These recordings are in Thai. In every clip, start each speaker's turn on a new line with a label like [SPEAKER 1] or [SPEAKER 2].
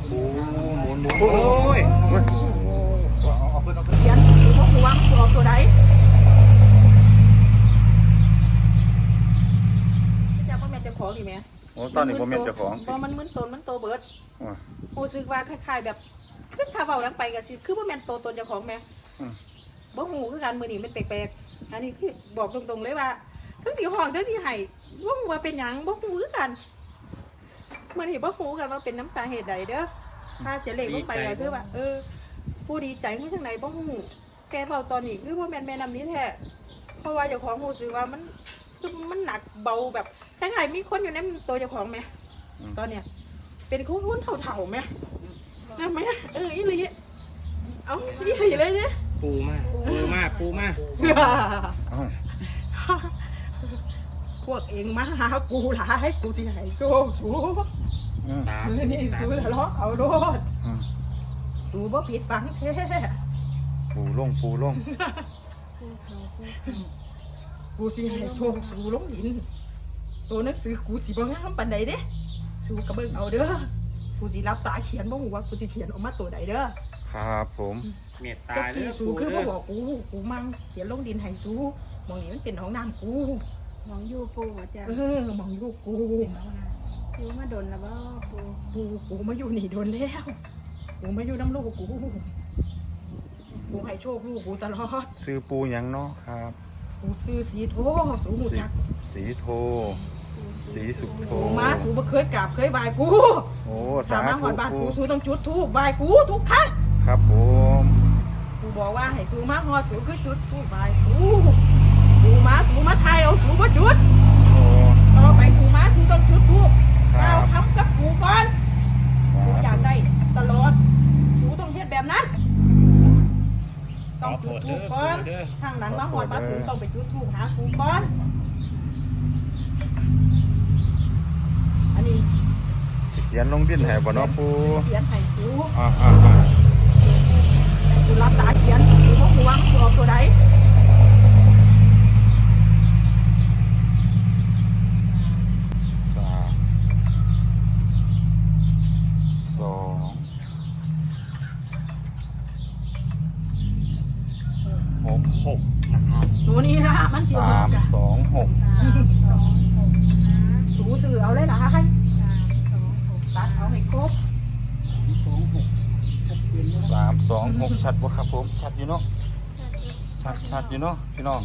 [SPEAKER 1] โอ้หมุนโอ้ยเอาขึ้น
[SPEAKER 2] เขียนหรือว่าหัวมันออกตัวใดจะพ่อแม่เจ้าของนี่ไหม
[SPEAKER 1] โอ้ตอนนี้ผมเป็นเจ้าของ
[SPEAKER 2] พอมันมึนตนมันโตเบิดกูซื้อว่าคล้ายๆแบบคือถ้าเบาลังไปก็สิคือพ่อแม่โตตนเจ้าของไหมบ่หูคือการมือนี่มันแปลกๆอันนี้คือบอกตรงๆเลยว่าทั้งสีห้องทั้งสีไห้บ่หูว่าเป็นหยังบ่หูคือกันมือนี่บ่หูกันว่าเป็นน้ำสาเหตุใดเด้อถ้าเสียเหล็กลงไปก็คือว่าผู้ดีใจมาจากไหนบ่หูแกเบาตอนนี้คือพ่อแม่นำนี้แท้เพราะว่าเจ้าของหูซื้อว่ามันคือมันหนักเบาแบบคล้ายๆมีคนอยู่ในตัวเจ้าของไหมตอนเนี้ยเป็นคุ้นเถ่าๆไหมนะไหมอีหลีเอาอีหลีเลยเนี่ย
[SPEAKER 3] ปูมาก
[SPEAKER 2] พวกเองมาหากูหลายกูที่ไหนโจ้สูนี่สูทะเลาะเอาโลดสูบ่ผิดฝังแท้
[SPEAKER 1] ปูลง
[SPEAKER 2] กูสิให้โชคสูลงดินตัวหนังสือกูสิบ่งามปานใดเด้สูกระเบิ่งเอาเด้อกูสิรับตาเขียนบ่ฮู้ว่ากูสิเขียนออกมาตัวใดเด้อ
[SPEAKER 1] ครับผม
[SPEAKER 3] เมตตา
[SPEAKER 2] เด้อสูคือบ่บอกกูมั่งเขียนลงดินให้สูมองนี่มันเป็นห้องน้ำกู
[SPEAKER 4] มองอยู่ปูอาจารย์
[SPEAKER 2] มองอยู่กู
[SPEAKER 4] อยู่มาโดนแล้วบ่
[SPEAKER 2] กูมาอยู่นี่โดนแล้วกูมาอยู่น้ำลูกกูให้โชคลูกกูตลอด
[SPEAKER 1] ซื้อปูยังเนาะครับ
[SPEAKER 2] กูซื้อสีโทสูหูจัก
[SPEAKER 1] สีโทสีสุโธ
[SPEAKER 2] มาสูบ่เคยกราบเคยไหว้กู
[SPEAKER 1] โอ้สาธุ
[SPEAKER 2] กูสูต้องจุดธูปไหว้กูทุกครั้ง
[SPEAKER 1] ครับผม
[SPEAKER 2] กูบอกว่าให้สูมาฮอดสูคือจุดธูปไหว้กูมาไทยเอาสูมาจุดต่อไปสูมาสูต้องจุดธูปเอาทำกับกูก่อนกูอยากได้ตลอดกูต้องเฮ็ดแบบนั้นต้องจุดธูปก่อนทางหลังมาฮอดมาถึงต้องไปจุดธูปหากูก่อนอันนี้
[SPEAKER 1] เขียนลงดินให้บ่เนาะปู
[SPEAKER 2] เขียนให้กูกูรับตาเขียนกูบ่ฮู้ว่ามันออกตัวใด
[SPEAKER 3] 6นะครับ
[SPEAKER 2] ตัวนี้นะมันสิออก
[SPEAKER 1] 326
[SPEAKER 2] สูสื่อเอาเลยนะให้ตัดเอาให้ครบ
[SPEAKER 1] 326ชัดบ่ครับผมชัดอยู่เนาะชัดอยู่เนาะพี่น้อง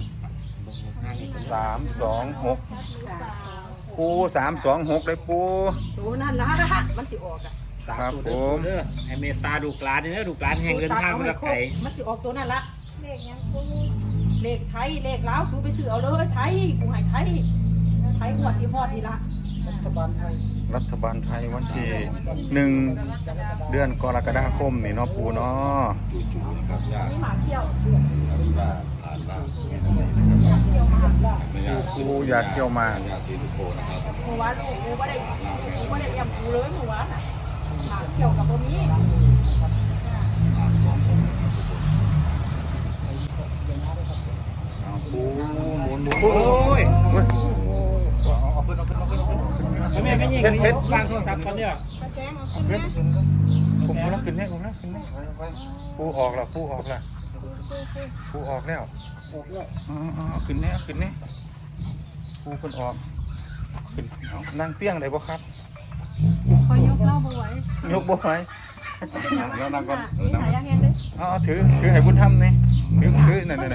[SPEAKER 1] 326ปู326เลยปู
[SPEAKER 2] ตัวนั่นละมันสิออก
[SPEAKER 1] ครับผม
[SPEAKER 3] ให้เมตตาดูกลานนี่นะดูกลานแห่งเดินทางมาจากไกล
[SPEAKER 2] มันสิออกตัวนั่นละ
[SPEAKER 4] เลขยังปู
[SPEAKER 2] เลขไทยเลขลาวสูไปซื้อเอาเลยไทยกูให้ไทยหัวที่ฮอดนี่ละ
[SPEAKER 1] รัฐบาลไทยวันที่1 เดือนกรกฎาคมนี่เนาะปูเนาะ
[SPEAKER 2] นี่หมาเที่ยว
[SPEAKER 1] ปูอยากเที่ยวมา
[SPEAKER 2] เมื่อวานลูกกูไม่ได้เยี่ยมกูเลยเมื่อวานหมาเที่ยวกับพวกนี้
[SPEAKER 1] ปูหมุน
[SPEAKER 3] โอ้ยแม่ไม่ยิงไม่ยิงวางโทรศัพท์กันเนี่ย
[SPEAKER 4] มาแซงเอาขึ้นนะ
[SPEAKER 1] ผมแล้วขึ้นเนี่ยปูออกแล้วปูออกแล้วขึ้นเนี่ยปูคนออกขึ้นนั่งเตี้ยงได้บ่ครับ
[SPEAKER 4] พอยกเข้าบ่ไหวย
[SPEAKER 1] กบ่ไหว
[SPEAKER 2] แล้วนั่งก่อน
[SPEAKER 1] ถือให้บุญธรรมนี่ถือนั่นบ่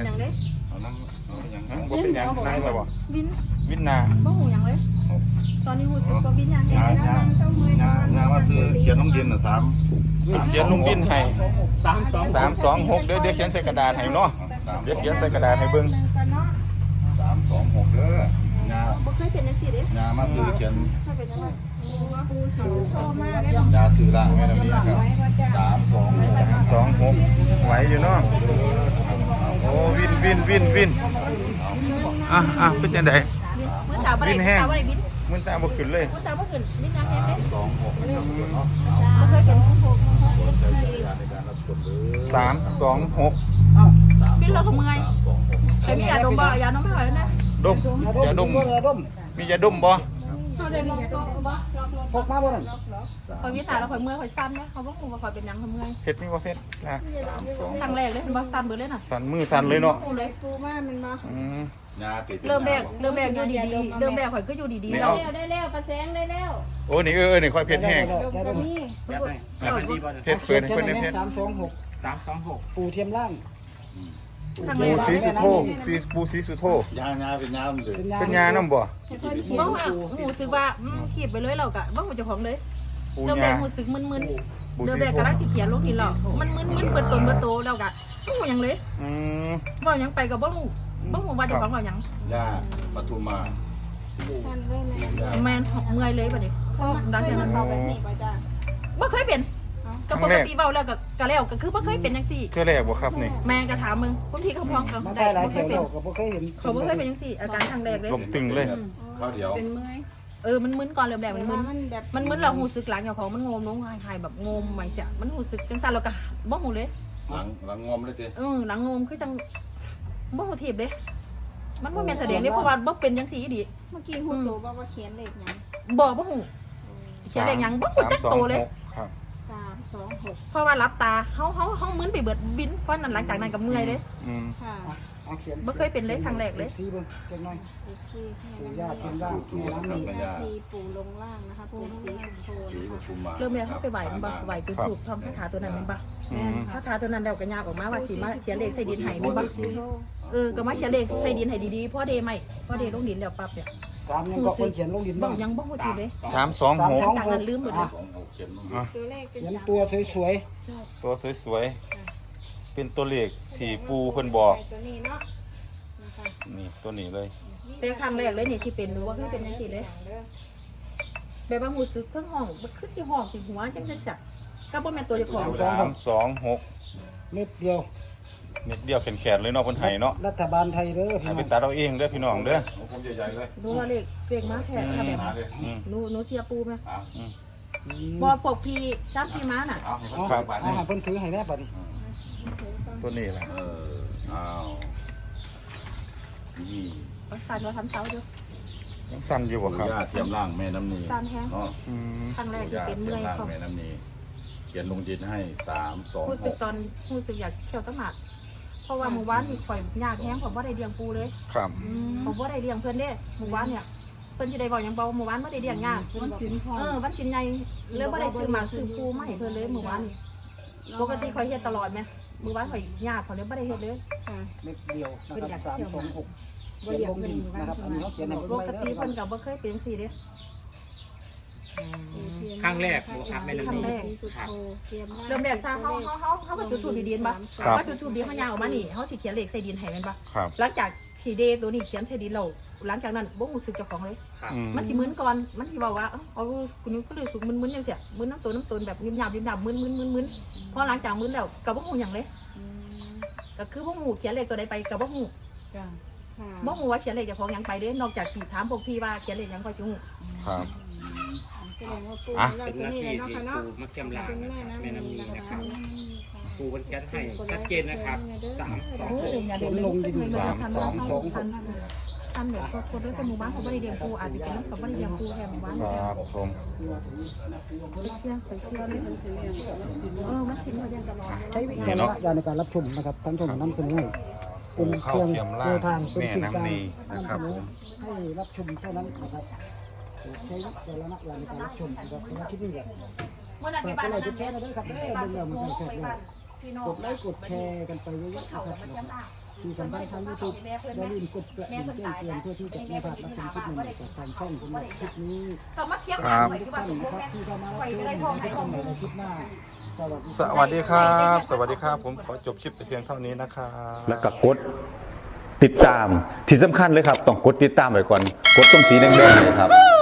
[SPEAKER 1] เป็นยังนั่งไปบ่วินนา
[SPEAKER 2] บ่หูยังเลยตอนนี้หูสึกว่าวินยัง
[SPEAKER 1] งานว่าซื้อเขียนลงดินน่ะ3เขียนลงดินให้326เดี๋ยวเขียนใส่กระดาษให้เนาะเดี๋ยวเขียนใส่กระดาษให้เบิ่ง
[SPEAKER 5] 326เด้อยา
[SPEAKER 2] บ่เคยเป็นจังซี่เด้
[SPEAKER 5] ยามาซื้อเขียน
[SPEAKER 4] ปูสิโตมาได้บ่
[SPEAKER 5] ยาซื้อล่างแม่นำนี้ครับ
[SPEAKER 1] 326ไหวอยู่เนาะโอ้วินเป็นจังได๋
[SPEAKER 2] วินแห้ง
[SPEAKER 1] มันตาบ่ขึ้นเลย
[SPEAKER 2] มันตาบ่ขึ้นวินยังแห้งเด้
[SPEAKER 1] 326
[SPEAKER 2] บ่เคยเห็น
[SPEAKER 1] 326
[SPEAKER 2] บินเราก็เมื่อยแต่มียาดมบ่ยาดมไม่ไหวนะ
[SPEAKER 1] ดมยาดมมียาดมบ่
[SPEAKER 4] เขาได้ล็อกบ่ล็อก
[SPEAKER 6] พกมาบ่นั่น
[SPEAKER 2] คอยวิสาแล้วคอยเมื่อยคอยซ้ำเนี่ยเขาบอกว่าคอยเป็นยังเขาเมื่อย
[SPEAKER 1] เฮ็ดมีบ่เฮ็ดนะ
[SPEAKER 2] ครั้งแรกเลยเห็นบ่ซ้ำเบิดเลยน่ะ
[SPEAKER 1] สั่นมือสั่นเลยเนาะ
[SPEAKER 2] เลย
[SPEAKER 4] ปูมามันบ่
[SPEAKER 1] อืม
[SPEAKER 5] งาติด
[SPEAKER 2] เริ่มแรกอยู่ดีๆเริ่มแรกข่อยก็อยู่ดีๆ
[SPEAKER 1] ไม่
[SPEAKER 2] เรา
[SPEAKER 1] เอา
[SPEAKER 4] ได้แล้วประแสงได้แล้ว
[SPEAKER 1] โอ้นี่นี่ค่อยเผ็ดแห้ง
[SPEAKER 4] ดมก็มี
[SPEAKER 3] แบบไหนแบบไหนดีบ่
[SPEAKER 1] เผ็ดเพิ่นให้เพิ่นเผ็ด
[SPEAKER 6] 326
[SPEAKER 3] 326
[SPEAKER 6] ปูเทียมล่าง
[SPEAKER 2] ครั้งแร
[SPEAKER 1] ปู
[SPEAKER 2] ก
[SPEAKER 1] สีสุโธปูสีสุโธ
[SPEAKER 5] ยาเป็นยามันเลย
[SPEAKER 1] เป็นยานํบ่
[SPEAKER 4] ให้เพิ่นเขียน
[SPEAKER 2] บ้างว่าหูสึกว่าขีบไปเลยเรากะบ้างหูเจ้าของเลย
[SPEAKER 1] ปู
[SPEAKER 2] เริ่มแร
[SPEAKER 1] ยาก
[SPEAKER 2] หูสึกมึน
[SPEAKER 1] ปู
[SPEAKER 2] ๆเริ่ม
[SPEAKER 1] สี
[SPEAKER 2] แรก
[SPEAKER 1] โธ
[SPEAKER 2] กำลังสิเขียนลงนี่เรามันมึนๆเปิดตนเปิดโตเรากะบ้างหูยังเลย
[SPEAKER 1] อืม
[SPEAKER 2] บ้างยังไปกับบ้างหูว่าเจ้าของเรายัง
[SPEAKER 5] ยาปทุมมา
[SPEAKER 4] สั้นเลยแม่
[SPEAKER 2] แมนเมื่อยเลยบัดนี้พอดัง
[SPEAKER 4] เค
[SPEAKER 2] จาก
[SPEAKER 4] ย
[SPEAKER 2] นั้น
[SPEAKER 4] เข้าแบบนี้ป่ะจ้า
[SPEAKER 2] บ่เคยเป็นก็ปกติเบาแล้วก็แล้วก็คือบ่เคยเป็นจังซี่
[SPEAKER 1] เทื่อแรกบ่ครับนี่
[SPEAKER 2] แม่ก็ถามมึงบางทีเขาพ้องกัน
[SPEAKER 6] มา
[SPEAKER 2] ได้
[SPEAKER 6] ได้หลาย
[SPEAKER 2] บ่
[SPEAKER 6] แถ
[SPEAKER 2] เคยว เป็น
[SPEAKER 6] โลกก็บ่เคยเห็น
[SPEAKER 2] เขาบ่เคยเป็นจังซี่อาการครั้งแรกเลย
[SPEAKER 1] ลมตึงเลย
[SPEAKER 5] ข้าวเดียว
[SPEAKER 4] เป็นเมื่อย
[SPEAKER 2] มันมึนก่อนเริ่มแรกมันมึน
[SPEAKER 4] มันแบบ
[SPEAKER 2] มันมึนเราหูสึกหลังอย่างของมันงมลงหายแบบงมใหม่เสียมันหูสึกจังซั่นเราก็บ่หูเลย
[SPEAKER 5] หลังงอมเลยเจ้
[SPEAKER 2] หลังงมคือจังบ่หูถีบเลยมันบ่แม่นแสดงเด้เพราะว่าบ่เป็นจังซี่ดิ
[SPEAKER 4] เมื่อกี้ฮู้ตัวว่าเขียนเลขหยัง
[SPEAKER 2] บ่หูเสียแรงหยังบ่หูจักโตเลย
[SPEAKER 1] ครับ
[SPEAKER 4] 326
[SPEAKER 2] เพราะว่ารับตาเฮามึนไปเบิดบินเพราะนั้นหลังจากนั้นก็เมื่อยเลย
[SPEAKER 1] อืม
[SPEAKER 4] ค่ะ
[SPEAKER 6] เอาเขียน
[SPEAKER 2] บ่เคยเป็นเลยครั้งแรกเลย
[SPEAKER 6] สีเบิ่งจักหน่อย
[SPEAKER 4] เลข4ให้
[SPEAKER 6] ปู
[SPEAKER 4] มัน
[SPEAKER 6] ย่าเทียมล่างปูล้างนี่
[SPEAKER 4] นาทีปู่ลงล่างนะคะปู่สีสุโธ
[SPEAKER 5] สี
[SPEAKER 4] นะ
[SPEAKER 5] ป
[SPEAKER 4] คะ
[SPEAKER 5] ทุมมา
[SPEAKER 2] เริ่มแรกเฮาไปไหว้มันบ่ไหว้คือถูกทำคาถาตัวนั้นแม่นบ่
[SPEAKER 1] อืม
[SPEAKER 2] คาถาตัวนั้นแล้วก็ยากออกมาว่าสิมาเขียนเลขใส่ดินให้แม่นบ่
[SPEAKER 4] สีโธ
[SPEAKER 2] ก็มาเขียนเลขใส่ดินให้ดีๆพอเดใหม่พอเดลงดินแล้วปั๊บเนี่ย
[SPEAKER 6] 3ยังก็คนเขียนลงดิน
[SPEAKER 2] บ่
[SPEAKER 6] บ้าง
[SPEAKER 2] ยังบ่ฮู้ทีเลย
[SPEAKER 1] 326
[SPEAKER 2] จากนั้นลืมหมดเลย
[SPEAKER 5] 26เขียน
[SPEAKER 4] ตัวเลขเป็น
[SPEAKER 6] เขียน
[SPEAKER 4] 3
[SPEAKER 6] ตัวสวย
[SPEAKER 1] ตัวสวยๆเป็นตัวเลขที่ปูเพิ่นบอก
[SPEAKER 4] ตัวนี้เนาะนะคะ
[SPEAKER 1] นี่ตัวนี้เลย
[SPEAKER 2] เป็นครั้งแรกเลยนี่ที่เป็นรู้ว่าเคยเป็นจังซี่เลยแบบว่ารู้สึกเพิ่งห้องมันคือสิห้องสิหัวจังซั่นก็บ่แม่นตัวเจ้าของ
[SPEAKER 1] 326
[SPEAKER 6] ๆเม็ดเดียว
[SPEAKER 1] เม็ดเดียวแขนๆเลยเนาะเพิ่นให้เนาะ
[SPEAKER 6] รัฐบาลไทยเด้อ
[SPEAKER 1] ให้
[SPEAKER 6] พี่น้
[SPEAKER 1] ไป
[SPEAKER 6] อง
[SPEAKER 1] ตัดเอาเองเด้อพี่น้องเด้อ
[SPEAKER 5] ผมใหญ่ๆเลย
[SPEAKER 2] รู้ว่าเลขมาแท้ถ้าแบบ
[SPEAKER 5] มาเลย
[SPEAKER 1] อืม
[SPEAKER 2] หนูเสียปูไหม
[SPEAKER 6] อืม
[SPEAKER 2] บ่พวกพี่จับพี่ม้าน่ะ
[SPEAKER 5] เอาให้
[SPEAKER 6] เอา
[SPEAKER 5] เขาบาท
[SPEAKER 6] เอาให้เพิ่นถือให้แน่บัดนี้
[SPEAKER 1] ตัวนี้ล่ะ
[SPEAKER 5] อ้าวนี่
[SPEAKER 2] ก็สั่นว่าทำเสาอยู่
[SPEAKER 1] ยังสั่นอยู่บ่ครับ
[SPEAKER 5] ย่าเทียมล่างแม่น้ำนี
[SPEAKER 2] สั่นแฮง
[SPEAKER 5] เนาะ
[SPEAKER 1] อืม
[SPEAKER 2] ครั้งแรกที่เป็นเมื่อย
[SPEAKER 5] ล่าง
[SPEAKER 2] เขา
[SPEAKER 5] แม่น้ำนีเขียนลงดินให้
[SPEAKER 2] รู้สึก
[SPEAKER 5] 326
[SPEAKER 2] ตอนรู้สึกอยากเขียวตั้งหนักเพราะว่าหมู่บ้านนี่ข่อยยากแฮงผมบ่ได้เลี้ยงปูเลย
[SPEAKER 1] ครับ
[SPEAKER 2] ผมบ่ได้เลี้ยงเพิ่นเด้หมู่บ้านเนี่ยเพิ่นสิได้บอกหยังบ่หมู่บ้านบ่ได้เลี้ยงยาก
[SPEAKER 4] มันสินพอ
[SPEAKER 2] วันสินใหญ่เลยบ่ได้ซื้อหมากซื้อปูมาให้เพิ่นเลยหมู่บ้านนี่ปกติข่อยเฮ็ดตลอดแม่หมู่บ้านข่อยยากข่อยเลยบ่ได้เฮ็ดเลย
[SPEAKER 4] ค่ะ
[SPEAKER 6] เม็ดเดียวนะครับ326
[SPEAKER 4] บ่อยากเงิน
[SPEAKER 6] นะครับอันนี้เขาเขียนให้
[SPEAKER 2] ป
[SPEAKER 6] เบิ่ง
[SPEAKER 2] ก
[SPEAKER 6] ไว้
[SPEAKER 2] ติ
[SPEAKER 6] เด้อ
[SPEAKER 2] เพิ่นก็บ่เคยเป็นจังซี่เด้
[SPEAKER 3] ครั้งแรกครับแม่
[SPEAKER 2] ครั้งแรก
[SPEAKER 4] สีสุโธเตรียม
[SPEAKER 2] เริ่มแรกถ้าเฮาก็จุดทูบดีๆบ่ว่าจุดทูบดีเฮายางออกมานี่เฮาสิเขียนเลขใส่ดินให้แม่นบ่
[SPEAKER 1] ครับ
[SPEAKER 2] หลังจากที่เดตัวนี้เขียนใส่ดินแล้วหลังจากนั้นบ่รู้สึกเจ้าของเลย
[SPEAKER 1] อืม
[SPEAKER 2] มันสิมึนก่อน มันสิบอกว่าเอาคุณก็เลยสุกมึนๆจังเสียมึนน้ำตนแบบยิบหยาบมึนพอหลังจากมึนแล้วก็บ่ฮู้หยังเลยก็คือบ่ฮู้เขียนเลขตัวใดไปก็บ่ฮู้
[SPEAKER 4] จ้ะค่ะ
[SPEAKER 2] บ่ฮู้ว่าเขียนเลขเจ้าของหยังไปเด้นอกจากสิถามพวกพี่ว่าเขียนเลขหยังก็สิฮู้
[SPEAKER 1] ครับ
[SPEAKER 4] แสดงว่าปู
[SPEAKER 1] อ่ะ
[SPEAKER 4] เรา
[SPEAKER 3] เป็น
[SPEAKER 4] ตัว
[SPEAKER 3] หน้า
[SPEAKER 4] นี้
[SPEAKER 3] ที่
[SPEAKER 4] เลยเนาะ
[SPEAKER 3] ที่
[SPEAKER 4] ค่ะเนาะ
[SPEAKER 3] ปูมักจำลาง
[SPEAKER 4] เป็นแม่
[SPEAKER 3] นะครับ
[SPEAKER 4] น้ำ
[SPEAKER 3] แม่น้ำนี
[SPEAKER 4] นะ
[SPEAKER 3] นะค
[SPEAKER 4] คะ
[SPEAKER 3] รับปูมันแคสให้ชัดเจนนะครับ326
[SPEAKER 2] โอ้ยอย่าเดินเลยท่านเดี๋ยวคนด้วยเป็นหมู่บ้านเขาบ่ได้เลี้ยงปูอาจจะเป็นน้ำเขาบ่ได้เลี้ยงปูแค่หมู่บ้าน
[SPEAKER 1] ครับผม
[SPEAKER 2] ไปเชื่อเลยมันสิเขาเลี้ยงตลอด
[SPEAKER 6] ใช้วิจารณญาณในการรับชมนะครับทั้งช่องนำเสนอให้เป็นเครื่องแนวทางเป็นสื่อกลางนำเสนอให้รับชมเท่านั้นนะครับใช้วิจารณญาณในการรับชมนะครับสำหรับคลิปนี้แบบ
[SPEAKER 2] เมื่อนั้นไป
[SPEAKER 6] ฝาก
[SPEAKER 2] บ้าน
[SPEAKER 6] กดไลค์กดแชร์กันด้วยครับเด้อเรื่องมันแชร์เลยกดไลค์กดแชร์กันไปเยอะๆนะครับที่สำคัญทาง YouTube อย่าลืมกดกระดิ่งแจ้งเตือนเพื่อที่จะไม่พลาดรับชมคลิปใหม่ๆจากทางช่องสำหรับคลิปนี้
[SPEAKER 2] ก็มาเทียบ
[SPEAKER 1] ครับ
[SPEAKER 6] ทุกท่านนะครับที่เข้ามารับชมที่เข้ามาในคลิปหน้าสวัสดี
[SPEAKER 1] สวัสดีครับ สวัสดีครับ ผมขอจบคลิปแต่เพียงเท่านี้นะครับ
[SPEAKER 7] แล้วก็กดติดตามที่สำคัญเลยครับ ต้องกดติดตามไว้ก่อน กดตรงสีแดงๆเลยครับ